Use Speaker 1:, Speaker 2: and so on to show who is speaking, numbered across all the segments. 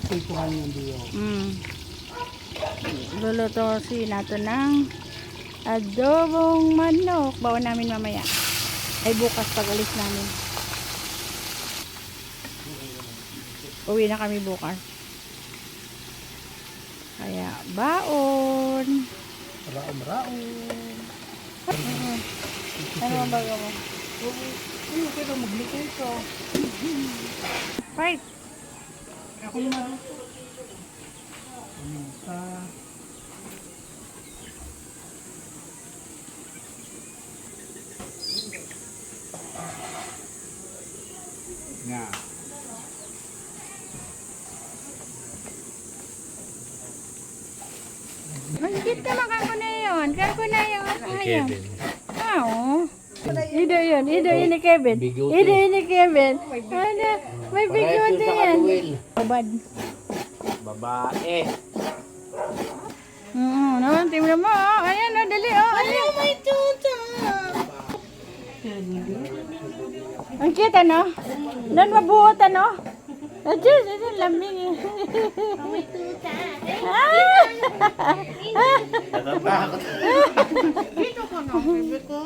Speaker 1: Ito nga yung diyo.
Speaker 2: Luluto si nato ng adobong manok. Bawa namin mamaya. Ay bukas pag alis namin. Uwi na kami bukas. Kaya baon.
Speaker 1: Raon.
Speaker 2: Ano ang bago mo?
Speaker 1: Ano kaya magluto ito?
Speaker 2: Right.
Speaker 1: Ako yung maluto. Paminta. Nga.
Speaker 2: Magkit ka makako na yun. Kako na yun. Ayaw. Oo. Ido yun ni Kevin. Ido yun ni Kevin. Ano? May bigote yan. Babad.
Speaker 3: Babae.
Speaker 2: Naman, tingnan mo. Ayan, dali. Ayan, may tuta. Ang cute, ano? Doon mabuot, ano? Diyos, lamig. May tuta.
Speaker 3: Natatakot.
Speaker 2: Dito ko na, baby ko.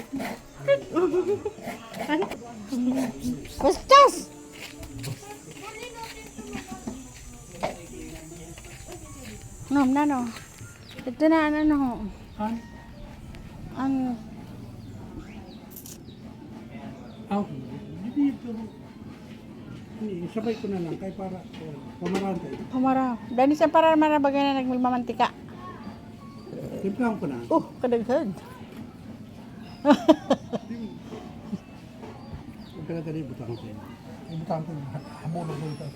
Speaker 2: Bastos! Nom, no. Ito na, ano. Ang
Speaker 1: Aw, dito. Sabay ko na lang kay para pamarante.
Speaker 2: pamara. Dani sa para marabagay na nagmamantika.
Speaker 1: Timplahan ko na.
Speaker 2: Kadaghan.
Speaker 1: Huwag ka na dali, butang ko. Butang ko, habulog ko ito.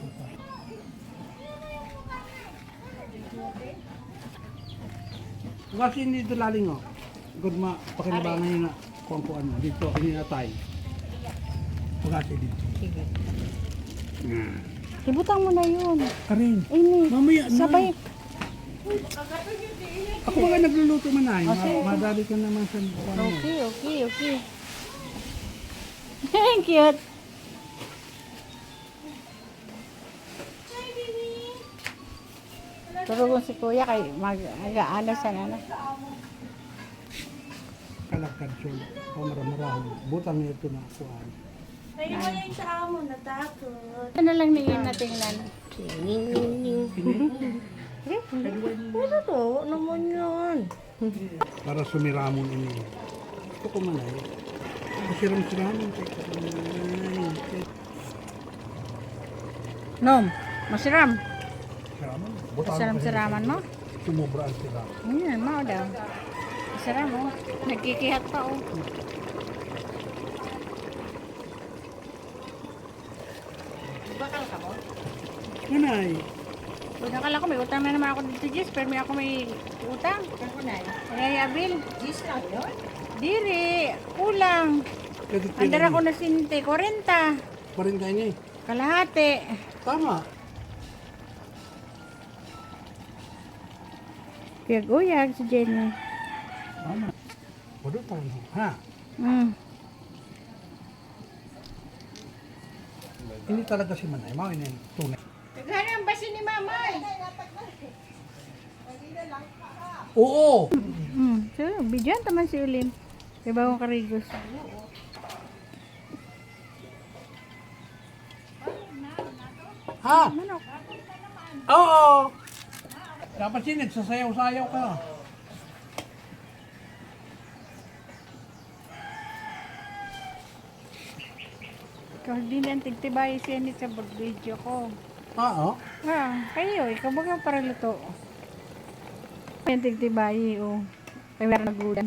Speaker 1: Kasi hindi ito laling o. Good ma, pakinabangan nyo na kung ano. Dito, ininatay. Pagkati dito.
Speaker 2: Sige. Ibutang mo na yun.
Speaker 1: Karin,
Speaker 2: Ini.
Speaker 1: mamaya na.
Speaker 2: Sabay.
Speaker 1: Ako ba nagluluto man ay?
Speaker 2: Okay.
Speaker 1: Madali ka naman sa ano.
Speaker 2: Okay. Thank you. Turugon si kuya kay mag-ano sa nana.
Speaker 1: Kalakad siya. Pamaramarahan. Butang niya ito na kuhaan.
Speaker 4: Tayo mo yung sa amo, natakot.
Speaker 2: Ano lang ningin na tingnan.
Speaker 4: Ano to? Naman yun.
Speaker 1: Para sumiramon ini. Ito ko man ay. Masiram-siramon.
Speaker 2: Nom, masiram.
Speaker 1: Siramon. Butang
Speaker 2: Siram-siraman mo.
Speaker 1: Sumubraan sila.
Speaker 2: Ayan, mao daw. Masiram mo. Nagkikihat pa oh. Bakal ka mo?
Speaker 1: Nanay.
Speaker 2: Kung nakala ko may utang na naman ako dito, Jess. Pero may ako may utang. Kaya Abil.
Speaker 4: Gis lang yun?
Speaker 2: Diri, kulang. Andar ako na sinte, 40.
Speaker 1: Pa rin kayo niya eh.
Speaker 2: Kalahati.
Speaker 1: Tama.
Speaker 2: Piyag-uyag si Jenny.
Speaker 1: Tama. Budutang. Ha? Hindi talaga si Manay. Mga ini tunay.
Speaker 2: Taghan ang basi ni Mamay.
Speaker 1: Oo!
Speaker 2: So, bidyan taman si Ulim. Kaya bagong karigos.
Speaker 1: Ha?
Speaker 2: Manok.
Speaker 1: Oo! Dapat sinit, sasayaw-sayaw ka.
Speaker 2: Ikaw din ang tigtibay siya ni sa video ko.
Speaker 1: Oo?
Speaker 2: Kayo, ikaw baga para luto. Yung tigtibay, oh. Kaya meron nagulan.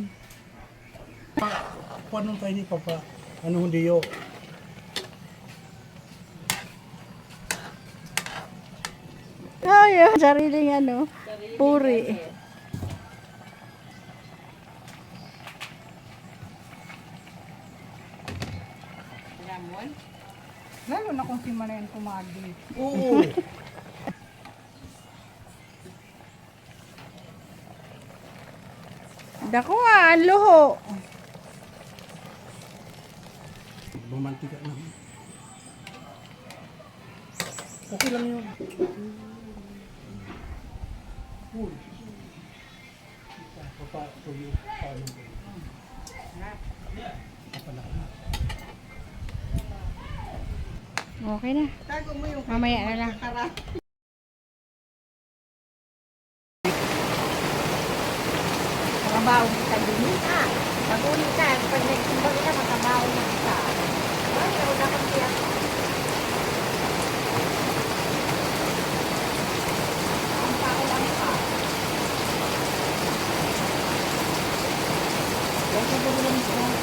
Speaker 1: Paano tayo ni Papa? Ano hindi yo?
Speaker 2: Ay, sariling ano, puri. Lalo na kung si Manayan kumagi.
Speaker 1: Oo!
Speaker 2: Dako ang luho.
Speaker 1: Bumantika na. Okay Okay lang yun. Cool. Tuyo. Paano ba?
Speaker 2: Okay na. Mamaya na lang.
Speaker 4: Makabaw kita din ha. Pag-uli ka, pag nagsimbag ka, makabaw na kita. Ay, nauna kang tiyak. Ang tao lang ka.
Speaker 1: Huwag ka ba naman sa